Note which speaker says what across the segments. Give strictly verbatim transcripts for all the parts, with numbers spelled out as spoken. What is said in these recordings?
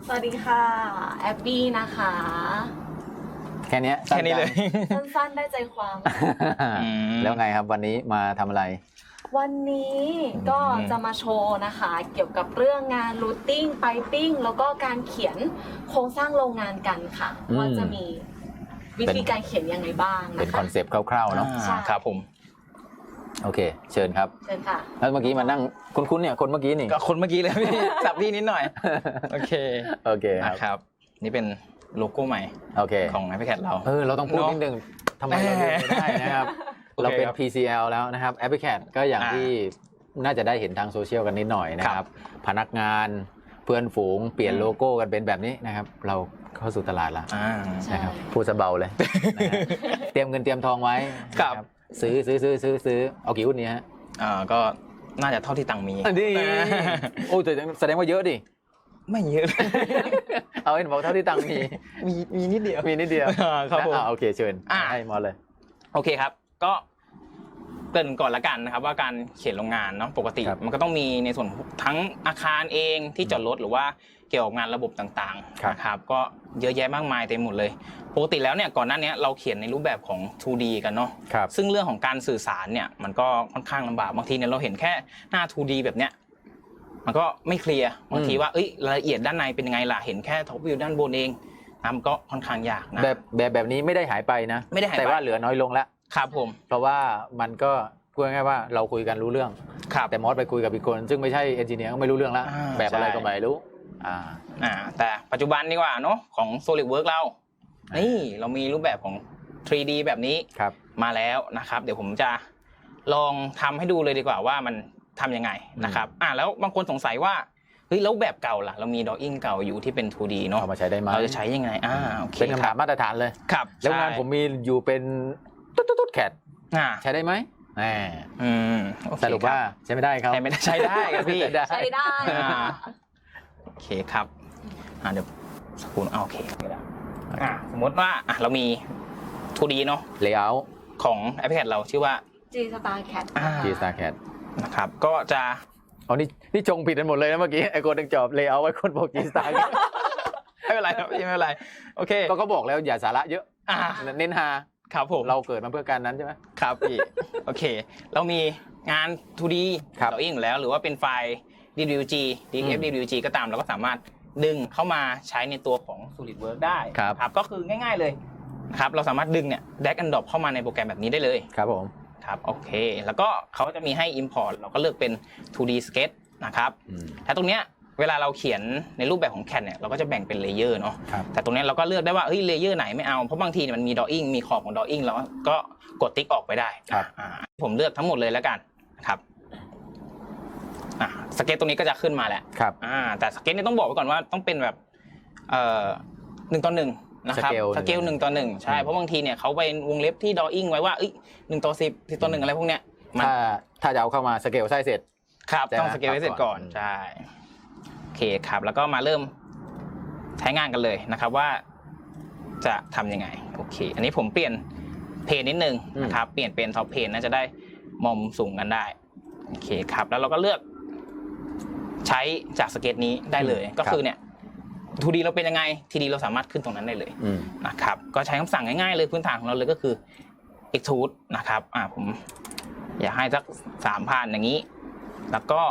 Speaker 1: สวัสดีค่ะแอบบี้นะคะ
Speaker 2: แค่นี้
Speaker 3: แค่นี้เลย
Speaker 1: สั้นๆได้ใจความ
Speaker 2: แล้วไงครับวันนี้มาทำอะไร
Speaker 1: วันนี้ก็จะมาโชว์นะคะเกี่ยวกับเรื่องงานรูทติ้งไปปิ้งแล้วก็การเขียนโครงสร้างโรงงานกันค่ะว่าจะมีวิธีการเขียนยังไงบ้างนะคะ
Speaker 2: เป็นคอนเซปต์คร่าวๆเนาะ
Speaker 3: ครับผม
Speaker 2: โอเคเชิญครับ
Speaker 1: เชิญค่ะ
Speaker 2: แล้วเมื่อกี้มานั่งคุ้นๆเนี่ยคนเมื่อกี้นี่
Speaker 3: ก็คนเมื่อกี้เลยพี่สับพี่นิดหน่อยโอเค
Speaker 2: โอเค
Speaker 3: ครับนี่เป็นโลโก้ใหม่
Speaker 2: โอเค
Speaker 3: ของ iPad เรา
Speaker 2: เออเราต้องพูดนิดนึงทำไมเราไม่ได้นะครับเราเป็น พี ซี แอล แล้วนะครับ iPad ก็อย่างที่น่าจะได้เห็นทางโซเชียลกันนิดหน่อยนะครับพนักงานเพื่อนฝูงเปลี่ยนโลโก้กันเป็นแบบนี้นะครับเราเข้าสู่ตลาดแล้วนะครับพูดซะเบาเลยเตรียมเงินเตรียมทองไว้ครับซื้อซื้อซื้อซื้อซื้อเอากี่หุ้นนี้ฮะ
Speaker 3: อ่าก็น่าจะเท่าที่ตังมี
Speaker 2: นี่โอ้แต่แสดงว่าเยอะดิ
Speaker 3: ไม่เยอะ
Speaker 2: เอาเห็นบอกเท่าที่ตังมี
Speaker 3: มีมีนิดเดียว
Speaker 2: มีนิดเดียว
Speaker 3: ครับผม
Speaker 2: โอเคเชิญให้มอเลย
Speaker 3: โอเคครับก็เกริ่นก่อนละกันนะครับว่าการเขียนโรงงานเนาะปกติมันก็ต้องมีในส่วนทั้งอาคารเองที่จอดรถหรือว่าเกี่ยวกับงานระบบต่างๆนะครับก็เยอะแยะมากมายเต็มหมดเลยปกติแล้วเนี่ยก่อนหน้านี้เราเขียนในรูปแบบของ ทู ดี กันเนาะซึ่งเรื่องของการสื่อสารเนี่ยมันก็ค่อนข้างลำบากบางทีเนี่ยเราเห็นแค่หน้า ทู ดี แบบเนี้ยมันก็ไม่เคลียร์บางทีว่าเอ้ยรายละเอียดด้านในเป็นยังไงล่ะเห็นแค่ท็อปวิวด้านบนเองนะมันก็ค่อนข้างยากนะ
Speaker 2: แบบแบบแบบนี้ไม่ได้หายไปนะ
Speaker 3: ไม่ได้หายไป
Speaker 2: แต่ว่าเหลือน้อยลงแล้ว
Speaker 3: ครับผม
Speaker 2: เพราะว่ามันก็พูดง่ายๆว่าเราคุยกันรู้เรื่องแต่มอสไปคุยกับอีกคนซึ่งไม่ใช่เอนจิเนียร์ก็ไม่รู้เรื่องแล้วแบบอะไรก็ไม่รู้
Speaker 3: อ่าอ่าแต่ปัจจุบันดีกว่าเนาะของ SolidWorks เรานี่เรามีรูปแบบของ ทรี ดี แบบนี้มาแล้วนะครับเดี๋ยวผมจะลองทำให้ดูเลยดีกว่าว่ามันทำยังไงนะครับอ่าแล้วบางคนสงสัยว่าเฮ้ยแล้วแบบเก่าล่ะเรามี drawing เก่าอยู่ที่เป็น ทู ดี เนาะ
Speaker 2: เอามาใช้ได้ไหม
Speaker 3: เราจะใช้ยังไงอ่าโอเค
Speaker 2: เป็นคำถามมาตรฐานเลย
Speaker 3: ครับ
Speaker 2: แล้วงานผมมีอยู่เป็นตุ๊ดตุ๊ดแคทใช้ได้ไหม
Speaker 3: อืม
Speaker 2: สรุปว่าใช้ไม่ได้ครับ
Speaker 3: ใช้ไม่ได้ใช้ได้ครับพี่
Speaker 1: ใช้ได้
Speaker 3: โอเคครับอ่าเดี๋ยวสกุลโอเคอ่าสมมติว่าอ่ะเรามี ทู ดี เนาะ
Speaker 2: layout
Speaker 3: ของ iPad เราชื่อว่า
Speaker 1: G-StarCAD
Speaker 2: G-StarCAD
Speaker 3: นะครับก็จะ
Speaker 2: อ๋อนี่นี่จงผิดกันหมดเลยนะเมื่อกี้ไอ้คนนึงจอบ layout ไว้คนบอก G-StarCAD
Speaker 3: ไม่เป็นไรครับไม่เป็นไรโอเค
Speaker 2: ก็เขาบอกแล้วอย่าสาระเยอะเน้นฮา
Speaker 3: ครับผม
Speaker 2: เราเกิดมาเพื่อการนั้นใช่ไหม
Speaker 3: ครับพี่โอเคเรามีงาน ทู ดี เราเองอยู่แล้วหรือว่าเป็นไฟล์ ดี ดับเบิลยู จี ดี เอฟ ดี ดับเบิลยู จี ก็ตามเราก็สามารถดึงเข้ามาใช้ในตัวของ SolidWorks ได้ครับก็คือง่ายๆเลยนะครับเราสามารถดึงเนี่ย drag and drop เข้ามาในโปรแกรมแบบนี้ได้เลย
Speaker 2: ครับผม
Speaker 3: ครับโอเคแล้วก็เขาจะมีให้ import เราก็เลือกเป็น ทู ดี sketch นะครับแต่ตรงเนี้ยเวลาเราเขียนในรูปแบบของ แคด เนี่ยเราก็จะแบ่งเป็นเลเยอร์เนาะแต่ตรงนี้เราก็เลือกได้ว่าเฮ้ยเลเยอร์ไหนไม่เอาเพราะบางทีมันมี drawing มีขอบของ drawing เราก็กดติ๊กออกไปได้ผมเลือกทั้งหมดเลยแล้วกันนะครับอ่าสเก็ตตรงนี้ก็จะขึ้นมาแหละ
Speaker 2: ครับ
Speaker 3: อ่าแต่สเก็ตนี่ต้องบอกไว้ก่อนว่าต้องเป็นแบบเอ่อหนึ่งต่อหนึ่งนะครับสเกลหนึ่งต่อหนึ่งใช่เพราะบางทีเนี่ยเขาไปวงเล็บที่ drawing ไว้ว่าเอ้ยหนึ่งต่อสิบสิบต่อหนึ่งอะไรพวกเนี้ย
Speaker 2: ถ้าถ้าจะเอาเข้ามาสเกลไส้เสร็จ
Speaker 3: ครับต้องสเกลให้เสร็จก่อนใช่โอเคครับแล้วก็มาเริ่มใช้งานกันเลยนะครับว่าจะทำยังไงโอเคอันนี้ผมเปลี่ยนเพนนิดนึงนะครับเปลี่ยนเป็นท็อปเพนน่าจะได้มองสูงกันได้โอเคครับแล้วเราก็เลือกใช้จากสเก็ตนี้ได้เลยก็คือเนี่ย ทู ดี เราเป็นยังไง ที ดี เราสามารถขึ้นตรงนั้นได้เลยนะครับก็ใช้คำสั่งง่ายๆเลยพื้นฐานของเราเลยก็คือ extrude นะครับอ่าผมอยากให้สักสามพันอย่างนี้แล้วก็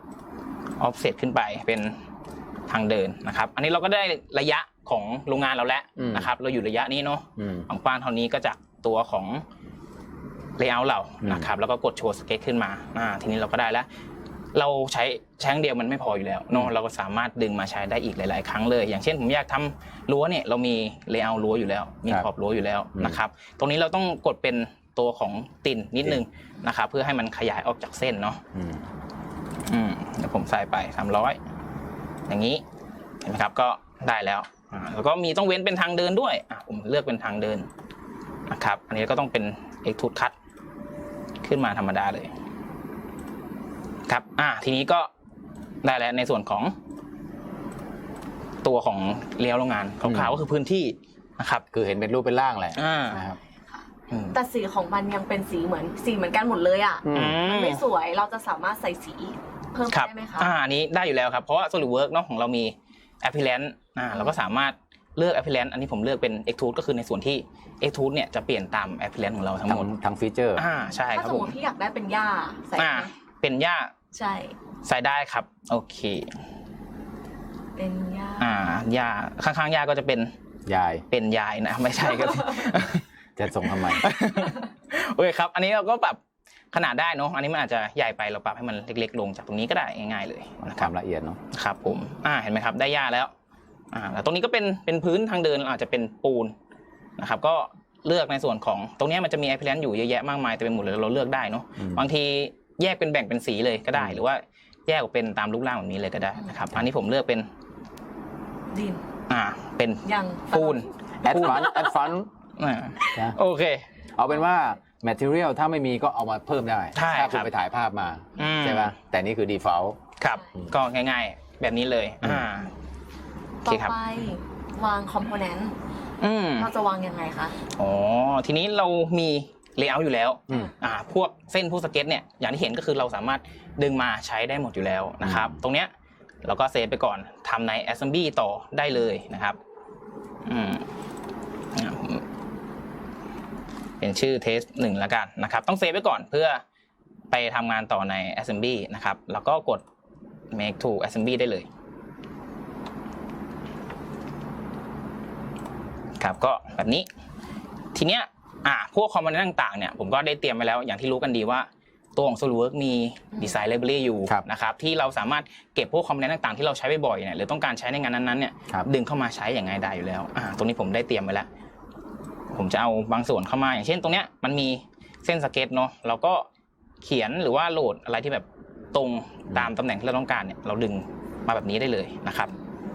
Speaker 3: offset ขึ้นไปเป็นทางเดินนะครับอันนี้เราก็ได้ระยะของโรงงานเราแล้วนะครับเราอยู่ระยะนี้เนาะความกว้างเท่านี้ก็จากตัวของ layout เรานะครับแล้วก็กดโชว์สเก็ตขึ้นมาอ่าทีนี้เราก็ได้แล้วเราใช้แช้งเดียวมันไม่พออยู่แล้วเนาะเราก็สามารถดึงมาใช้ได้อีกหลายๆครั้งเลยอย่างเช่นผมอยากทำรั้วเนี่ยเรามี layout รั้วอยู่แล้วมีขอบรั้วอยู่แล้วนะครับตรงนี้เราต้องกดเป็นตัวของติ่นนิดนึงนะครับเพื่อให้มันขยายออกจากเส้นเนาะอืมเดี๋ยวผมใส่ไปสามร้อยอย่างนี้เห็นไหมครับก็ได้แล้วอ่าแล้วก็มีต้องเว้นเป็นทางเดินด้วยอ่ะผมเลือกเป็นทางเดินนะครับอันนี้ก็ต้องเป็น extrude cut ขึ้นมาธรรมดาเลยครับอ่าทีนี้ก็ได้แล้วในส่วนของตัวของเลี้ยวโรงงานขาวๆก็คือพื้นที่นะครับ
Speaker 2: คือเห็นเป็นรูปเป็นร่างแหละ
Speaker 1: นะครับแต่สีของมันยังเป็นสีเหมือนสีเหมือนกันหมดเลยอ่ะมันไม่สวยเราจะสามารถใส่สีเพิ่มได้ไหมคะ
Speaker 3: อ่าอันนี้ได้อยู่แล้วครับเพราะว่า SolidWorks เนาะของเรามี appearance อ่าเราก็สามารถเลือก appearance อันนี้ผมเลือกเป็น extrude ก็คือในส่วนที่ extrude เนี่ยจะเปลี่ยนตาม appearance ของเราทั้งหมด
Speaker 2: ทั้งฟีเจอร์
Speaker 3: อ่าใช่ค
Speaker 1: ถ้า
Speaker 3: รับ
Speaker 1: สม
Speaker 3: ผม ม
Speaker 1: ติพี่อยากได้เป็นหญ้าใส่
Speaker 3: อ่า
Speaker 1: ไหม
Speaker 3: เป็นหญ้า
Speaker 1: ใช่
Speaker 3: ใส่ได้ครับโอเค
Speaker 1: เป็นหญ้า
Speaker 3: อ่าหญ้าข้างๆหญ้าก็จะเป็น
Speaker 2: ยาย
Speaker 3: เป็นยายนะไม่ใช่ครับ
Speaker 2: จะส่งทำไม
Speaker 3: โอเคครับอันนี้เราก็ปรับขนาดได้เนาะอันนี้มันอาจจะใหญ่ไปเราปรับให้มันเล็กๆลงจากตรงนี้ก็ได้ง่ายๆเลยนะ
Speaker 2: ค
Speaker 3: ครั
Speaker 2: วา
Speaker 3: บ
Speaker 2: มละเอียดเนาะ
Speaker 3: ครับผมอ่าเห็นไหมครับได้หญ้าแล้วอ่าแล้วตรงนี้ก็เป็นเป็นพื้นทางเดินอาจจะเป็นปูนนะครับก็เลือกในส่วนของตรงนี้มันจะมี appearance อยู่เยอะแยะมากมายแต่เป็นหมดเลยเราเลือกได้เนาะบางทีแยกเป็นแบ่งเป็นสีเลยก็ได้หรือว่าแยกออกเป็นตามรูปร่างแบบนี้เลยก็ได้นะครับอันนี้ผมเลือกเป็น
Speaker 1: ดิน
Speaker 3: อ่าเป็น
Speaker 1: ยัง
Speaker 3: ปูน
Speaker 2: แอดฟันแอดฟัน
Speaker 3: อ่าโอเค
Speaker 2: เอาเป็นว่า material ถ้าไม่มีก็เอามาเพิ่มได้
Speaker 3: ใช่
Speaker 2: ถ้าคุ
Speaker 3: ค
Speaker 2: ณ
Speaker 3: รับ
Speaker 2: ไปถ่ายภาพมา
Speaker 3: อืม
Speaker 2: ใช่ไหมแต่นี่คือ default
Speaker 3: ครับก็ง่ายๆแบบนี้เลยอ่าโอ
Speaker 1: ต่
Speaker 3: เค
Speaker 1: อ
Speaker 3: ครับ
Speaker 1: ไปวางคอมโพเนนต์
Speaker 3: อืม
Speaker 1: เราจะวางยังไงคะ
Speaker 3: อ๋อทีนี้เรามีเลเยอร์อยู่แล้ว
Speaker 2: อืม
Speaker 3: อ่าพวกเส้นพวกสเก็ตเนี่ยอย่างที่เห็นก็คือเราสามารถดึงมาใช้ได้หมดอยู่แล้วนะครับตรงเนี้ยเราก็เซฟไปก่อนทำใน assembly ต่อได้เลยนะครับอืมเป็นชื่อ test หนึ่งแล้วกันนะครับต้องเซฟไว้ก่อนเพื่อไปทำงานต่อใน assembly นะครับแล้วก็กด make to assembly ได้เลยครับก็แบบนี้ทีเนี้ยอ่าพวกคอมโพเนนต์ต่างๆเนี่ยผมก็ได้เตรียมไว้แล้วอย่างที่รู้กันดีว่าตัวของ SolidWorks มี Design Library อยู่
Speaker 2: ครับ
Speaker 3: นะครับที่เราสามารถเก็บพวกคอมโพเนนต์ต่างๆที่เราใช้บ่อยๆเนี่ยหรือต้องการใช้ในงานนั้นๆเนี่ย
Speaker 2: ครับ
Speaker 3: ดึงเข้ามาใช้อย่างง่ายดายอยู่แล้วอ่าตรงนี้ผมได้เตรียมไว้แล้วผมจะเอาบางส่วนเข้ามาอย่างเช่นตรงเนี้ยมันมีเส้นสเก็ตเนาะเราก็เขียนหรือว่าโหลดอะไรที่แบบตรงตามตำแหน่งที่เราต้องการเนี่ยเราดึงมาแบบนี้ได้เลยนะครับ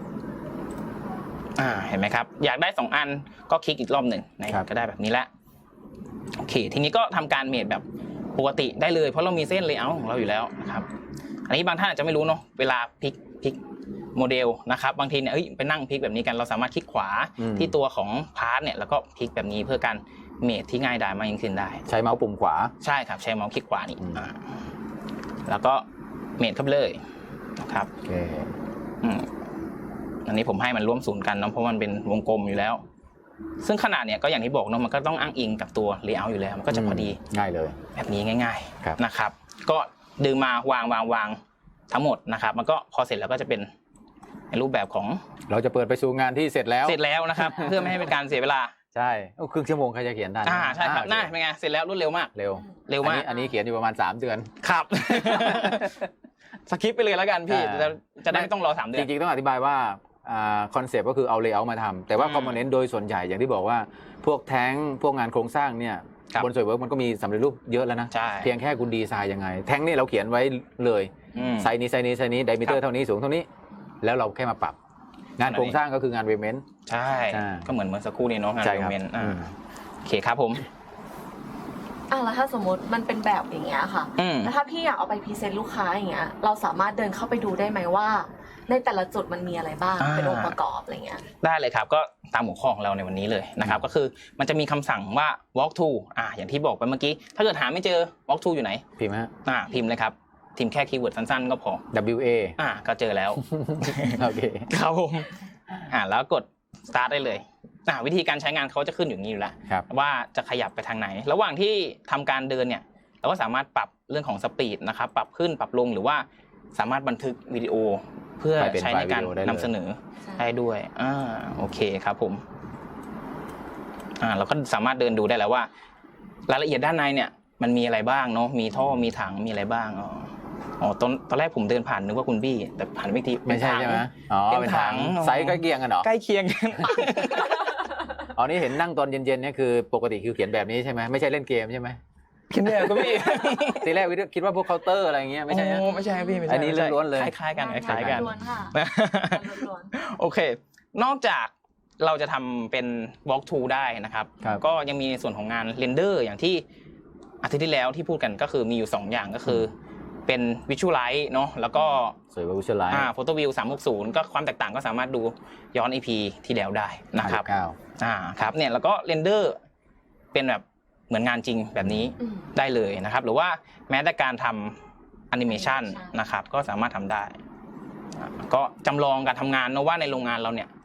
Speaker 3: อ่าเห็นไหมครับอยากได้สองอันก็คลิกอีกรอบหนึ่งในก็ได้แบบนี้แหละโอเคทีนี้ก็ทำการเมดแบบปกติได้เลยเพราะเรามีเส้นเลเยอร์ของเราอยู่แล้วนะครับอันนี้บางท่านอาจจะไม่รู้เนาะเวลาพลิกพลิกโมเดลนะครับบางทีเนี่ยเอ้ยไปนั่งพลิกแบบนี้กันเราสามารถคลิกขวาที่ตัวของพาร์ทเนี่ยแล้วก็พลิกแบบนี้เพื่อการเมดที่ง่ายดายมากยิ่งขึ้นได้
Speaker 2: ใช้เมาส์ปุ่มขวา
Speaker 3: ใช่ครับใช้เมาส์คลิกขวานี่
Speaker 2: อืม
Speaker 3: อ่าแล้วก็เมดเข้าไปเลยนะครับ
Speaker 2: โอเค
Speaker 3: อืมอันนี้ผมให้มันร่วมศูนย์กันเนาะเพราะมันเป็นวงกลมอยู่แล้ว ซึ่งขนาดเนี่ยก็อย่างที่บอกเนาะมันก็ต้องอ้างอิงกับตัวเลเยอร์อยู่แล้วมันก็จะพอดี
Speaker 2: ง่ายเลย
Speaker 3: แบบนี้ง่าย
Speaker 2: ครับ
Speaker 3: ๆนะครับ ก็ดึงมาวางวางวางทั้งหมดนะครับ มันก็พอเสร็จแล้วก็จะเป็นในรูปแบบของ
Speaker 2: เราจะเปิดไปสู่งานที่เสร็จแล้ว
Speaker 3: เสร็จแล้วนะครับ เพื่อไม่ให้เป็นการเสียเวลา
Speaker 2: ใช่โอ้ครึ่งชั่วโมงใครจะเขียนได้
Speaker 3: อ่าใช่ครับ
Speaker 2: โอเ
Speaker 3: น่าเป็นไงเสร็จแล้วรวดเร็วมาก
Speaker 2: เร็ว
Speaker 3: เร็วมาก
Speaker 2: อันนี้อันนี้เขียนอยู่ประมาณสามเดือน
Speaker 3: ครับ สคริปต์ไปเลยแล้วกันพี่
Speaker 2: อ่า
Speaker 3: จะจะได้ไม่ต้องรอสามเดื
Speaker 2: จ
Speaker 3: อน
Speaker 2: ริงๆต้องอธิบายว่าคอนเซปต์ก็คือเอาเลเยอร์มาทำแต่ว่า
Speaker 3: อืม
Speaker 2: คอมโพเนนต์โดยส่วนใหญ่อย่างที่บอกว่าพวกแท้งพวกงานโครงสร้างเนี่ย
Speaker 3: ครับ
Speaker 2: บน SolidWorks มันก็มีสำเร็จรูปเยอะแล้วนะ
Speaker 3: ใช่
Speaker 2: เพียงแค่คุณดีไซน์ยังไง แท้งนี่เราเขียนไว้เลย
Speaker 3: อืม
Speaker 2: ไซส์นี้ไซส์นี้ไซส์นี้ไดมิเตอร์เท่านี้สูงเท่านี้ แล้วเราแค่มาปรับ งานโครงสร้างก็คืองานเวเมนต์
Speaker 3: ใช่
Speaker 2: ใช่
Speaker 3: ก็เหมือนเมื่อสักครู่นี้เนาะงาน
Speaker 2: ใช่
Speaker 3: โด
Speaker 2: ครับ
Speaker 3: เมนต์
Speaker 2: อื
Speaker 3: อ่าม โอเคครับผม
Speaker 1: อ่ะแล้วถ้าสมมติมันเป็นแบบอย่างเงี้ยค่ะ
Speaker 3: อืม
Speaker 1: แล้วถ้าพี่อยากเอาไปพรีเซนต์ลูกค้าอย่างเงี้ยเราสามารถเดินเข้าไปดูได้ไหมว่า ในแต่ละจุดมันมีอะไรบ้าง
Speaker 3: อ่า
Speaker 1: เป็นองค์ประกอบอะไรเงี้ย
Speaker 3: ได้เลยครับก็ตามหัวข้อของเราในวันนี้เลยนะครับก็คือมันจะมีคำสั่งว่า walk to อ่าอย่างที่บอกไปเมื่อกี้ถ้าเกิดหาไม่เจอ walk to อยู่ไหน
Speaker 2: พิมพ์ฮะ
Speaker 3: อ่าพิมพ์เลยครับพิมพ์แค่คีย์เวิร์ดสั้นๆก็พอ
Speaker 2: W A
Speaker 3: อ่าก็เจอแล้ว
Speaker 2: โอเค
Speaker 3: ครับผมอ่าแล้วกด start ได้เลยอ่าวิธีการใช้งานเขาจะขึ้นอย่างนี้อยู่แล้ว
Speaker 2: ครับ
Speaker 3: ว่าจะขยับไปทางไหน ระหว่างที่ทำการเดินเนี่ยเราก็สามารถปรับเรื่องของสปีดนะครับปรับขึ้นปรับลงหรือว่าสามารถบันทึกวิดีโอเพื่อ
Speaker 2: ไปเป็น
Speaker 3: ใช้ในการ
Speaker 2: ไฟล์วิดีโอได้เลย
Speaker 3: นำเสนอได้ด้วยอ่าโอเคครับผมอ่าเราก็สามารถเดินดูได้แล้วว่ารายละเอียดด้านในเนี่ยมันมีอะไรบ้างเนาะมีท่อมีถังมีอะไรบ้างอ๋ออ๋อตอนตอนแรกผมเดินผ่านนึกว่าคุณบี้แต่ผ่านไม่ที
Speaker 2: ไม่ใช่ใช่ไหมอ๋อ
Speaker 3: เป็น
Speaker 2: เป็น
Speaker 3: ถั
Speaker 2: ถั
Speaker 3: ง
Speaker 2: งไซส์ใกล้เคียงกันเหรอ
Speaker 3: ใกล้เคียงกัน
Speaker 2: อ๋อนี่เห็นนั่งตอนเย็นๆเนี่ยคือปกติคือเขียนแบบนี้ใช่ไหมไม่ใช่เล่นเกมใช่ไหม
Speaker 3: คิดเนี่ยก็พี่
Speaker 2: ทีแรกวิดีโอคิดว่าพวกเคาน์เตอร์อะไรเงี้ยไม่ใช่นะ
Speaker 3: โอ้ไม่ใช่พี่ไม่ใช่
Speaker 2: อันนี้ล้วนๆเลย
Speaker 3: คล้ายๆกันคล้ายๆกัน
Speaker 1: ล้วนๆค่ะล้วน
Speaker 3: โอเค นอกจากเราจะทำเป็น walk to ได้นะครับ
Speaker 2: ครับ
Speaker 3: ก็ยังมีในส่วนของงานเรนเดอร์อย่างที่อาทิตย์ที่แล้วที่พูดกันก็คือมีอยู่สองอย่างก็คือเป็น Visualize เนาะแล้วก็
Speaker 2: สวยกว่าวิชวลไลท์
Speaker 3: อ่า Photo View สามหกศูนย์ก็ความแตกต่างก็สามารถดูย้อน อี พี ที่แล้วได้นะครับ
Speaker 2: เก้า
Speaker 3: อ่าครับเนี่ยแล้วก็เรนเดอร์เป็นแบบเหมือนงานจริงแบบนี้
Speaker 1: ๆอืม
Speaker 3: ได้เลยนะครับหรือว่าแม้แต่การทำแอนิเมชัน
Speaker 1: Animation
Speaker 3: นะครับก็สามารถทำได้อ่าก็จำลองการทำงานเนอะว่าในโรงงานเราเนี่ย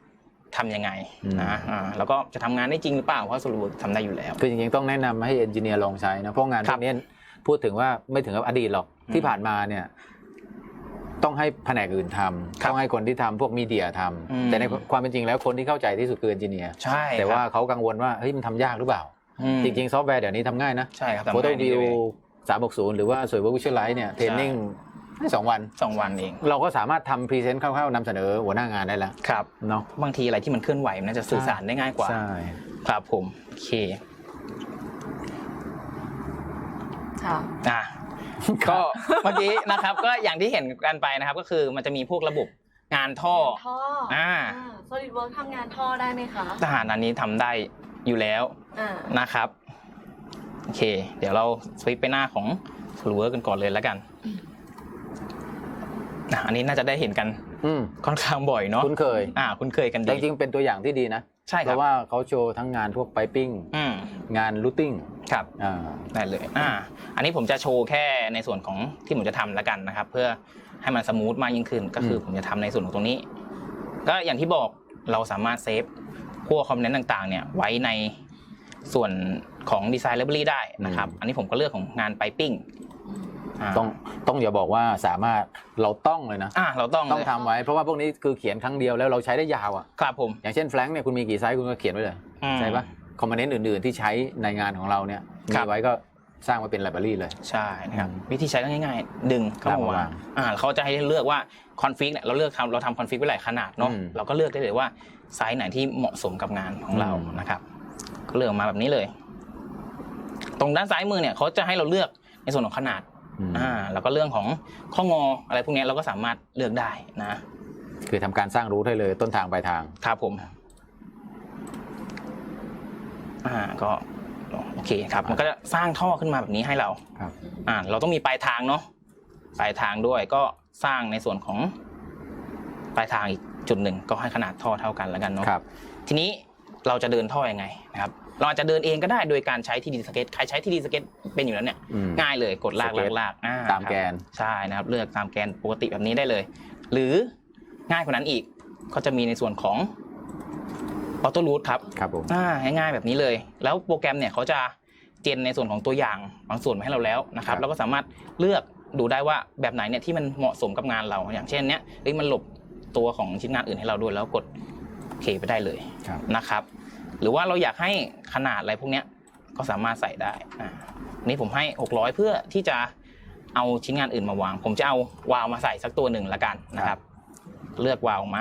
Speaker 3: ทำยังไงนะอ่าแล้วก็จะทำงานได้จริงหรือเปล่าเพราะ SolidWorks ทำได้อยู่แล้ว
Speaker 2: คือจริงๆต้องแนะนำให้เอนจิเนียร์ลองใช้นะเพราะงานพวกนี้พูดถึงว่าไม่ถึงกับอดีตหรอกที่ผ่านมาเนี่ยต้องให้แผนกอื่นทำต้องให้คนที่ทำพวกมีเดียทำแต่ในความเป็นจริงแล้วคนที่เข้าใจที่สุดคือเอนจิเนียร์
Speaker 3: ใช่
Speaker 2: แต่ว่าเขากังวลว่าเฮ้ยมันทำยากหรือเปล่าจริงๆซอฟต์แวร์เดี๋ยวนี้ทำง่ายนะ
Speaker 3: ใช่ครับ
Speaker 2: Photoview สามหกศูนย์หรือว่า SolidWorks Visualize เนี่ยเทรนนิ่งให้สองวัน
Speaker 3: สองวันเอง
Speaker 2: เราก็สามารถทำพรีเซนต์คร่าวๆนำเสนอหัวหน้างานได้แล้ว
Speaker 3: ครับ
Speaker 2: เนาะ
Speaker 3: บางทีอะไรที่มันเคลื่อนไหวมันจะสื่อสารได้ง่ายกว่า
Speaker 2: ใช่
Speaker 3: ครับผมโอเค
Speaker 1: ค่ะ
Speaker 3: อ่ะก็เมื่อกี้นะครับก็อย่างที่เห็นกันไปนะครับก็คือมันจะมีพวกระบบงานท่อ
Speaker 1: ท่ออ่า SolidWorks ทำงานท่อได้ไหมคะ
Speaker 3: ทหารอันนี้ทำได้อยู่แล้วนะครับโอเคเดี๋ยวเราสวิปไปหน้าของ SolidWorks กันก่อนเลยแล้วกันอันนี้น่าจะได้เห็นกันค่อนข้างบ่อยเนาะ
Speaker 2: คุ้นเคย
Speaker 3: อ่าคุ้นเคยกันดี
Speaker 2: จริงๆเป็นตัวอย่างที่ดีนะ
Speaker 3: ใช่ครับ
Speaker 2: เพราะว่าเขาโชว์ทั้งงานพวกไพปิ้งงานรูทติ้ง
Speaker 3: ครับอ่าได้เลยอ่าอันนี้ผมจะโชว์แค่ในส่วนของที่ผมจะทำแล้วกันนะครับเพื่อให้มันสมูทมากยิ่งขึ้นก็คือผมจะทำในส่วนของตรงนี้ก็อย่างที่บอกเราสามารถเซฟพวกคอมโพเนนต์ต่างๆเนี่ยไว้ในส่วนของ Design Library ได้นะครับอันนี้ผมก็เลือกของงานไพปิ้ง
Speaker 2: ต้องต้องอย่าบอกว่าสามารถเราต้องเลยนะ
Speaker 3: อ่าเราต้อง
Speaker 2: ต้องทำไว้เพราะว่าพวกนี้คือเขียนครั้งเดียวแล้วเราใช้ได้ยาวอ่ะ
Speaker 3: ครับผม
Speaker 2: อย่างเช่นแฟลงเนี่ยคุณมีกี่ไซส์คุณก็เขียนไว้เลยใช่ปะคอมโพเนนต์อื่นๆที่ใช้ในงานของเราเนี่ยมีไว้ก็สร้างไว้เป็นไลบรารีเลย
Speaker 3: ใช่นะครับวิธีใช้ก็ง่ายๆดึงเข้ามาวางอ่าเขาจะให้เลือกว่าคอนฟิกเนี่ยเราเลือกทำเราทำคอนฟิกไว้หลายขนาดเนาะเราก็เลือกได้เลยว่าไซส์ไหนที่เหมาะสมกับงานของเรานะครับก็เลือกมาแบบนี้เลยตรงด้านซ้ายมือเนี่ยเขาจะให้เราเลือกในส่วนของขนาดอ่าแล้วก็เรื่องของข้องออะไรพวกนี้เราก็สามารถเลือกได้นะ
Speaker 2: คือทำการสร้างรูทให้เลยต้นทางปลายทาง
Speaker 3: ครับผมอ่าก็โอเคครับมันก็จะสร้างท่อขึ้นมาแบบนี้ให้เรา
Speaker 2: ครับ
Speaker 3: อ่าเราต้องมีปลายทางเนาะปลายทางด้วยก็สร้างในส่วนของปลายทางอีกจุดหนึ่งก็ให้ขนาดท่อเท่ากันแล้วกันเนาะ
Speaker 2: ครับ
Speaker 3: ทีนี้เราจะเดินท่อยังไงนะครับเราอาจจะเดินเองก็ได้โดยการใช้ ที ดี สเก็ตใครใช้ ที ดี สเก็ตเป็นอยู่แล้วเนี่ยง่ายเลยกดลากลากลาก
Speaker 2: ตามแกน
Speaker 3: ใช่นะครับเลือกตามแกนปกติแบบนี้ได้เลยหรือง่ายกว่านั้นอีกก็จะมีในส่วนของออโต้รูทครับ
Speaker 2: ครับผม
Speaker 3: อ่าง่ายๆแบบนี้เลยแล้วโปรแกรมเนี่ยเขาจะเจนในส่วนของตัวอย่างบางส่วนมาให้เราแล้วนะครับเราก็สามารถเลือกดูได้ว่าแบบไหนเนี่ยที่มันเหมาะสมกับงานเราอย่างเช่นเนี้ยเฮ้ยมันหลบตัวของชิ้นงานอื่นให้เราด้วยแล้วกดโอเคไปได้เลยนะครับหรือว่าเราอยากให้ขนาดอะไรพวกนี้ก็สามารถใส่ได้อ่านี่ผมให้หกร้อยเพื่อที่จะเอาชิ้นงานอื่นมาวางผมจะเอาวาล์วมาใส่สักตัวหนึ่งละกันนะครับเลือกวาล์วมา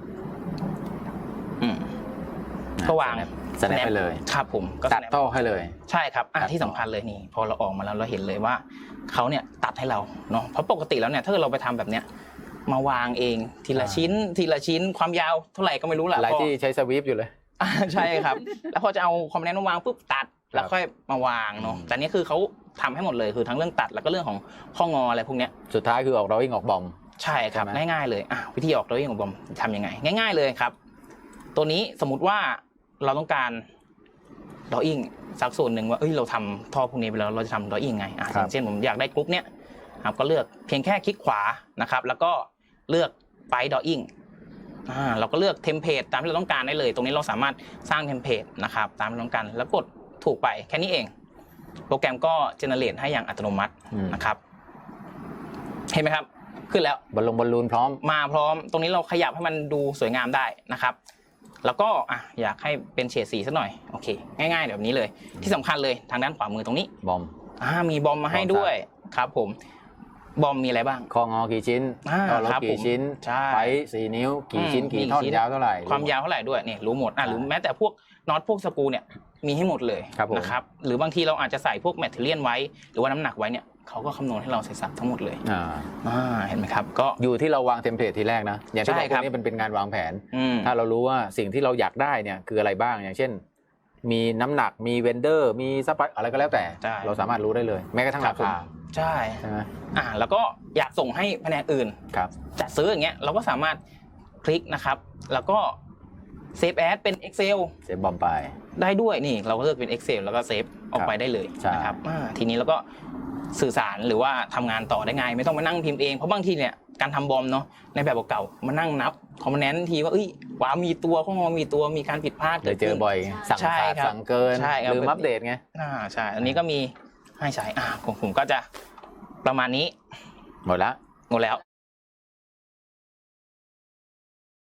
Speaker 3: อืมก็วาง
Speaker 2: สแนปไปเลย
Speaker 3: ครับผม
Speaker 2: ก็ตัดต่อให้เลย
Speaker 3: ใช่ครับอ่ะที่สำคัญเลยนี่พอเราออกมาแล้วเราเห็นเลยว่าเขาเนี่ยตัดให้เราเนาะเพราะปกติแล้วเนี่ยถ้าเราไปทำแบบเนี้ยมาวางเองทีละชิ้นทีละชิ้นความยาวเท่าไหร่ก็ไม่รู้แหละ
Speaker 2: หลายที่ใช้สวีปอยู่เลย
Speaker 3: ใช่ครับแล้วพอจะเอาคอมโพเนนต์มาวางปุ๊บตัดแล้วค่อยมาวางเนาะแต่นี่คือเขาทำให้หมดเลยคือทั้งเรื่องตัดแล้วก็เรื่องของข้องออะไรพวกนี้
Speaker 2: สุดท้ายคือออกดรอวิ่งออกบอม
Speaker 3: ใช่ครับง่ายๆเลยอ่ะวิธีออกดรอวิ่งออกบอมทำยังไงง่ายๆเลยครับตัวนี้สมมุติว่าเราต้องการดรอวิ่งสักส่วนหนึ่งว่าเอ้ยเราทำท่อพวกนี้ไปแล้วเราจะทำดรอวิ่งไงอ่ะอย่างเช่นผมอยากได้กรุ๊ปเนี้ยครับก็เลือกเพียงแค่คลิกขวานะครับแล้วก็เลือกไปดรอวิ่งอ่าเราก็เลือกเทมเพลตตามที่เราต้องการได้เลยตรงนี้เราสามารถสร้างเทมเพลตนะครับตามที่เราต้องการแล้วกดถูกไปแค่นี้เองโปรแกรมก็เจเนเรตให้อย่างอัตโนมัตินะครับเห็นไหมครับขึ้นแล้ว
Speaker 2: บอลลงบอลลูนพร้อม
Speaker 3: มาพร้อมตรงนี้เราขยับให้มันดูสวยงามได้นะครับแล้วก็อ่ะอยากให้เป็นเฉดสีสักหน่อยโอเคง่ายๆแบบนี้เลยที่สำคัญเลยทางด้านขวามือตรงนี้
Speaker 2: บอม
Speaker 3: อ่ามีบอมมาให้ด้วยครับผมบอมมีอะไรบ้าง
Speaker 2: คองอกี่ชิ้นต่อรถกี่ชิ้นไฟสี่นิ้วกี่ชิ้นกี่ท่อนยาวเท่าไหร่
Speaker 3: ความยาวเท่าไหร่ด้วยเนี่ยรู้หมดอ่ะหรือแม้แต่พวกน็อตพวกสกรูเนี่ยมีให้หมดเลยนะครับหรือบางทีเราอาจจะใส่พวกแมทเทอเรียลไว้หรือว่าน้ำหนักไว้เนี่ยเขาก็คำนวณให้เราใส่สับทั้งหมดเลยอ่าเห็นไหมครับก็
Speaker 2: อยู่ที่เราวางเทมเพลตทีแรกนะอย่างที่บอกพวกนี้เป็นเป็นงานวางแผนถ้าเรารู้ว่าสิ่งที่เราอยากได้เนี่ยคืออะไรบ้างอย่างเช่นมีน้ำหนักมีเวนเดอร์มีซัพพลายอะไรก็แล้วแต่เราสามารถรู้ได้เลยแม้กระทั่งราคา
Speaker 3: ใช่
Speaker 2: ใช่ไหม
Speaker 3: อ่าแล้วก็อยากส่งให้แผนกอื่น
Speaker 2: ครับ
Speaker 3: จะซื้ออย่างเงี้ยเราก็สามารถคลิกนะครับแล้วก็เซฟแอดเป็น Excel
Speaker 2: เซฟบอมไป
Speaker 3: ได้ด้วยนี่เราก็เลือกเป็น Excel แล้วก็เซฟออกไปได้เลยนะครับทีนี้เราก็สื่อสารหรือว่าทำงานต่อได้ง่ายไม่ต้องมานั่งพิมพ์เองเพราะบางทีเนี่ยการทำบอมเนาะในแบบเก่าๆมานั่งนับคอมโพเนนต์ทีว่าเอ้ยว้ามีตัวข้างนอกมีตัวมีการผิดพลาด
Speaker 2: เล
Speaker 3: เกิ
Speaker 2: ย
Speaker 3: ด
Speaker 2: เจอ
Speaker 3: ขึ้น
Speaker 2: บ่อยสั่ง
Speaker 3: ใช่
Speaker 2: ขาด
Speaker 3: ครับ
Speaker 2: สั่งเกิน
Speaker 3: ใช่ครับ
Speaker 2: ลืมอัปเดตไง
Speaker 3: อ่าใช่อันนี้ก็มีให้ใช้อ่าผมผมก็จะประมาณนี้
Speaker 2: หมดละ
Speaker 3: หมดแล้ว